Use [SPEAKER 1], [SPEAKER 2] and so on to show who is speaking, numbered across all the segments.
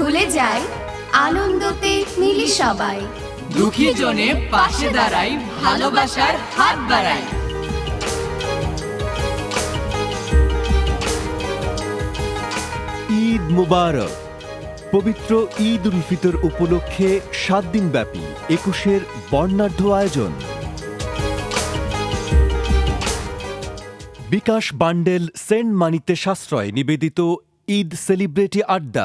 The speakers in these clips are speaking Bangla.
[SPEAKER 1] ভুলে যাই আনন্দতে মিলি সবাই,
[SPEAKER 2] দুঃখী জনে পাশে দাঁড়াই, ভালোবাসার হাত বাড়াই।
[SPEAKER 3] ঈদ মুবারক। পবিত্র ঈদ উল ফিতর উপলক্ষে 7 দিন ব্যাপী 21-এর বর্ণাঢ্য আয়োজন। বিকাশ বান্ডেল সেন্ড মানিতে সাশ্রয় নিবেদিত ঈদ সেলিব্রিটি আড্ডা।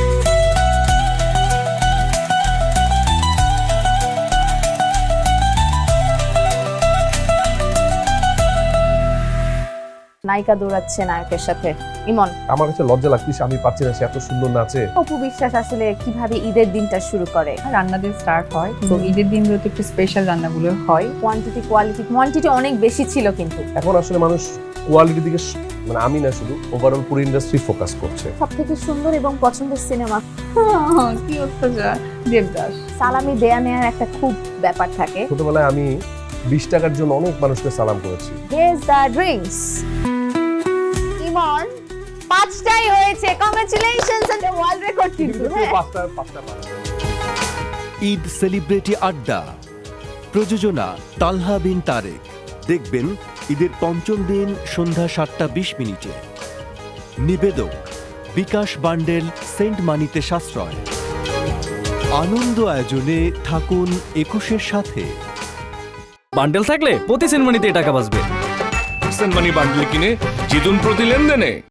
[SPEAKER 4] নায়িকা দৌড়াচ্ছে নায়কের সাথে। ইমন,
[SPEAKER 5] আমার কাছে লজ্জা লাগতেছে, আমি পারছি না, সে এত সুন্দর নাচে।
[SPEAKER 4] অপু বিশ্বাস আসলে কিভাবে ঈদের দিনটা শুরু করে?
[SPEAKER 6] রান্না দিয়ে স্টার্ট হয়, তো ঈদের দিনগুলোতে একটু স্পেশাল রান্নাগুলো হয়।
[SPEAKER 4] কোয়ান্টিটি অনেক বেশি ছিল, কিন্তু
[SPEAKER 5] এখন আসলে মানুষ কোয়ালিটির দিকে মানে আমি না শুধু ওভারঅল পুরো ইন্ডাস্ট্রি ফোকাস করছে।
[SPEAKER 4] সবথেকে সুন্দর এবং পছন্দের সিনেমা
[SPEAKER 6] কি অত্যাচার! দেবদাস।
[SPEAKER 4] সালামি দেয়া নেয়ার একটা খুব ব্যাপার থাকে।
[SPEAKER 5] ছোটবেলায় আমি 20 টাকার জন্য অনেক মানুষকে সালাম করেছি।
[SPEAKER 4] Guess the drinks. ইমন 5টাই হয়েছে, কংগ্রাচুলেশনস এন্ড ওয়ার্ল্ড রেকর্ড কিন্তু।
[SPEAKER 5] পাঁচটা
[SPEAKER 3] ঈদ সেলিব্রিটি আড্ডা, প্রযোজনা তালহা বিন তারেক। দেখবেন ঈদের পঞ্চম দিন সন্ধ্যা 7:20। নিবেদক বিকাশ বান্ডেল সেন্ট মানিতে সাশ্রয়। আনন্দ আয়োজনে থাকুন 21-এর সাথে।
[SPEAKER 7] বান্ডেল থাকলে প্রতি সেনমানিতে টাকা বাঁচবে।
[SPEAKER 8] সেনমানি বান্ডেল কিনে জিতুন প্রতি লেনদেনে।